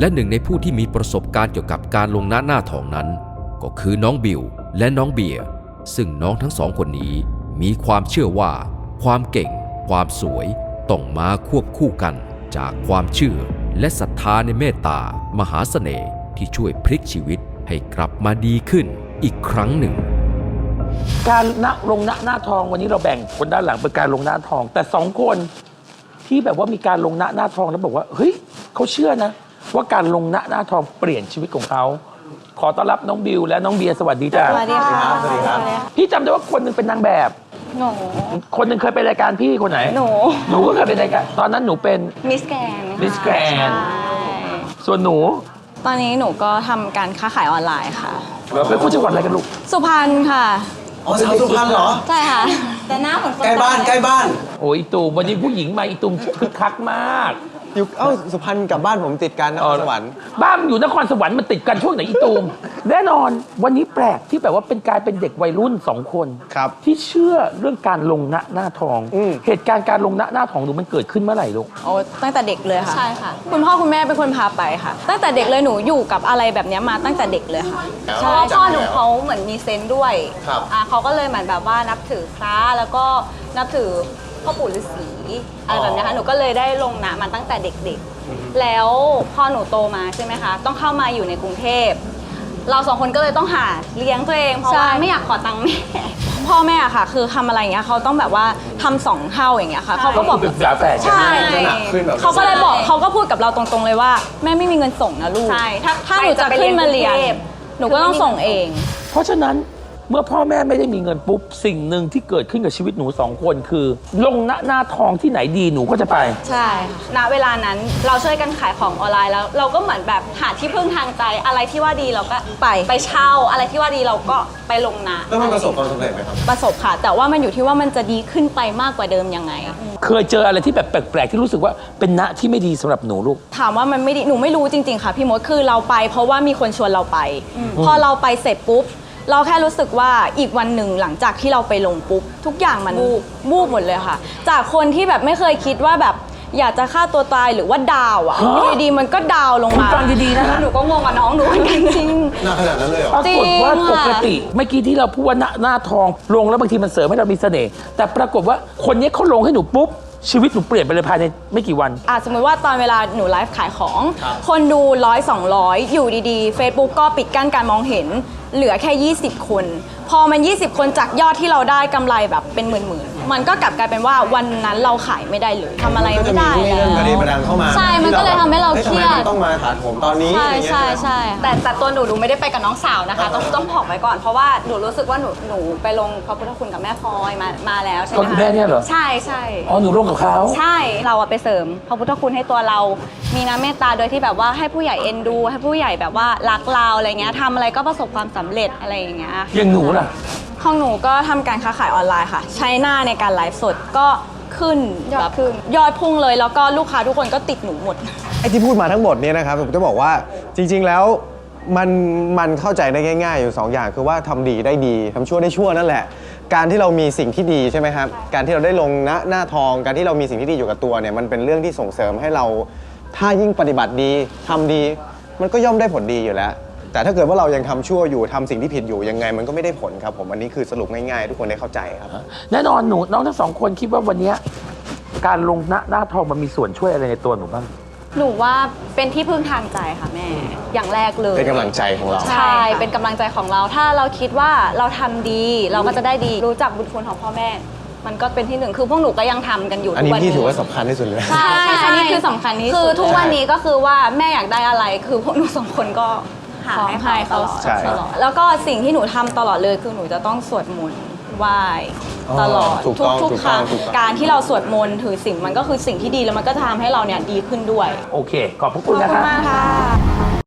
และหนึ่งในผู้ที่มีประสบการณ์เกี่ยวกับการลงหน้าทองนั้นก็คือน้องบิวและน้องเบียร์ซึ่งน้องทั้งสองคนนี้มีความเชื่อว่าความเก่งความสวยต้องมาควบคู่กันจากความเชื่อและศรัทธาในเมตตามหาเสน่ห์ที่ช่วยพลิกชีวิตให้กลับมาดีขึ้นอีกครั้งหนึ่งการลงหน้าทองวันนี้เราแบ่งคนด้านหลังเป็นการลงหน้าทองแต่สองคนที่แบบว่ามีการลงหน้าทองแล้วบอกว่าเฮ้ยเขาเชื่อนะว่าการลงหน้าทองเปลี่ยนชีวิตของเขาขอต้อนรับน้องบิวและน้องเบียร์สวัสดีจ้าสวัสดีค่ะสวัสดีครับพี่จำได้ว่าคนหนึงเป็นนางแบบหนูคนหนึงเคยไปรายการพี่คนไหนหนูก็เคยเป็นรายการตอนนั้นหนูเป็นมิสแกนส่วนหนูตอนนี้หนูก็ทำการค้าขายออนไลน์ค่ะเป็นคนจังหวัดอะไรกันลูกสุพรรณค่ะอ๋อสาวสุพรรณเหรอใช่ค่ะแต่หน้าเหมือนใกล้บ้านโอ้ยตูมวันนี้ผู้หญิงมาอีตูมคึกคักมากอยู่สุพรรณกับบ้านผมติดกันนครสวรรค์บ้านอยู่นครสวรรค์มันติดกันช่วงไหนอีตูมแน่นอนวันนี้แปลกที่แบบว่าเป็นกลายเป็นเด็กวัยรุ่น2 คนที่เชื่อเรื่องการลงหน้าทองเหตุการณ์การลงหน้าทองหนูมันเกิดขึ้นเมื่อไหร่ลูกโอ้ตั้งแต่เด็กเลยค่ะใช่ค่ะคุณพ่อคุณแม่เป็นคนพาไปค่ะตั้งแต่เด็กเลยหนูอยู่กับอะไรแบบนี้มาตั้งแต่เด็กเลยค่ะเพราะว่าพ่อหนูเขาเหมือนมีเซนส์ด้วยเขาก็เลยเหมือนแบบว่านับถือพระแล้วก็นับถือพ่อปู่ฤาษีอะไรแบบนี้ค่ะหนูก็เลยได้ลงนะมันตั้งแต่เด็กๆแล้วพอหนูโตมาใช่ไหมคะต้องเข้ามาอยู่ในกรุงเทพเรา2 คนก็เลยต้องหาเลี้ยงตัวเองเพราะว่าไม่อยากขอตังค์แม่พ่อแม่ค่ะคือทำอะไรอย่างเงี้ยเขาต้องแบบว่าทำ2 เท่าอย่างเงี้ยค่ะเขาก็บอกใช่เขาก็เลยบอกเขาก็พูดกับเราตรงๆเลยว่าแม่ไม่มีเงินส่งนะลูกใช่ถ้าหนูจะขึ้นมาเรียนหนูก็ต้องส่งเองเพราะฉะนั้นเมื่อพ่อแม่ไม่ได้มีเงินปุ๊บสิ่งหนึ่งที่เกิดขึ้นกับชีวิตหนู2 คนคือลงหน้าทองที่ไหนดีหนูก็จะไปใช่ณเวลานั้นเราช่วยกันขายของออนไลน์แล้วเราก็เหมือนแบบหาที่พึ่งทางใจอะไรที่ว่าดีเราก็ไปเช่าอะไรที่ว่าดีเราก็ไปลงนะแล้วมันประสบความสำเร็จไหมครับประสบค่ะแต่ว่ามันอยู่ที่ว่ามันจะดีขึ้นไปมากกว่าเดิมยังไงเคยเจออะไรที่แบบแปลกๆที่รู้สึกว่าเป็นณที่ไม่ดีสำหรับหนูลูกถามว่ามันไม่ดีหนูไม่รู้จริงๆค่ะพี่มดคือเราไปเพราะว่ามีคนชวนเราไปพอเราไปเสร็จปุ๊บเราแค่รู้สึกว่าอีกวันหนึ่งหลังจากที่เราไปลงปุ๊บทุกอย่างมันบูบหมดเลยค่ะจากคนที่แบบไม่เคยคิดว่าแบบอยากจะฆ่าตัวตายหรือว่าดาวอ่ะอยู่ดีๆมันก็ดาวลงมาฟังดีๆนะหนูก็งงกับน้องหนูจริงหน้าขนาดนั้นเลยเหรอปรากฏว่าปกติเมื่อกี้ที่เราพูดว่าหน้าทองลงแล้วบางทีมันเสริมให้เรามีเสน่ห์แต่ปรากฏว่าคนนี้เขาลงให้หนูปุ๊บชีวิตหนูเปลี่ยนไปเลยภายในไม่กี่วันสมมติว่าตอนเวลาหนูไลฟ์ขายของคนดู100-200อยู่ดีๆ Facebook ก็ปิดกั้นการมองเห็นเหลือแค่20 คนพอมัน20 คนจากยอดที่เราได้กำไรแบบเป็นหมื่นๆมันก็กลับกลายเป็นว่าวันนั้นเราขายไม่ได้เลยทำอะไรไม่ได้แล้วประเด็นเข้ามาใช่มันก็เลยทำให้เราเครียดต้องมาถาผมตอนนี้ใช่แต่ตัวหนูไม่ได้ไปกับน้องสาวนะคะต้องบอกไว้ก่อนเพราะว่าหนูรู้สึกว่าหนูไปลงพระพุทธคุณกับแม่พลอยมาแล้วใช่ไหมคุณแม่เนี่ยเหรอใช่อ๋อหนูลงกับเขาใช่เราไปเสริมพระพุทธคุณให้ตัวเรามีน้ำเมตตาโดยที่แบบว่าให้ผู้ใหญ่เอ็นดูให้ผู้ใหญ่แบบว่ารักเราอะไรเงี้ยทำอะไรก็ประสบความสำเร็จอะไรอย่างเงี้ยอย่างหนูล่ะของหนูก็ทำการค้าขายออนไลน์ค่ะใช้หน้าในการไลฟ์สดก็ขึ้นยอดพุ่งเลยแล้วก็ลูกค้าทุกคนก็ติดหนูหมดไอ้ที่พูดมาทั้งหมดเนี่ยนะครับผมจะบอกว่าจริงๆแล้วมันเข้าใจได้ง่ายๆอยู่2 อย่างคือว่าทำดีได้ดีทำชั่วได้ชั่วนั่นแหละการที่เรามีสิ่งที่ดีใช่ไหมครับการที่เราได้ลงหน้าทองการที่เรามีสิ่งที่ดีอยู่กับตัวเนี่ยมันเป็นเรื่องที่ส่งเสริมให้เราถ้ายิ่งปฏิบัติดีทำดีมันก็ย่อมได้ผลดีอยู่แล้วแต่ถ้าเกิดว่าเรายังทำชั่วอยู่ทำสิ่งที่ผิดอยู่ยังไงมันก็ไม่ได้ผลครับผมอันนี้คือสรุปง่ายๆทุกคนได้เข้าใจครับแน่นอนหนูน้องทั้ง2 คนคิดว่าวันนี้การลงหน้าทองมันมีส่วนช่วยอะไรในตัวหนูบ้างหนูว่าเป็นที่พึ่งทางใจค่ะแม่อย่างแรกเลยเป็นกำลังใจของเราใช่เป็นกำลังใจของเราถ้าเราคิดว่าเราทำดีเราก็จะได้ดีรู้จักบุญคุณของพ่อแม่มันก็เป็นที่1คือพวกหนูก็ยังทำกันอยู่อันนี้พี่ถือว่าสำคัญที่สุดเลยใช่อันนี้คือสำคัญที่สุดคือทุกวันนี้ก็คือว่าแม่อยากได้อะไรคือพวกหนู2 คนก็หาให้เขาตลอดแล้วก็สิ่งที่หนูทำตลอดเลยคือหนูจะต้องสวดมนต์ไหว้ตลอดทุกครั้งการที่เราสวดมนต์ถือศีลมันก็คือสิ่งที่ดีแล้วมันก็ทำให้เราเนี่ยดีขึ้นด้วยโอเคขอบพระคุณนะคะขอบคุณมากค่ะ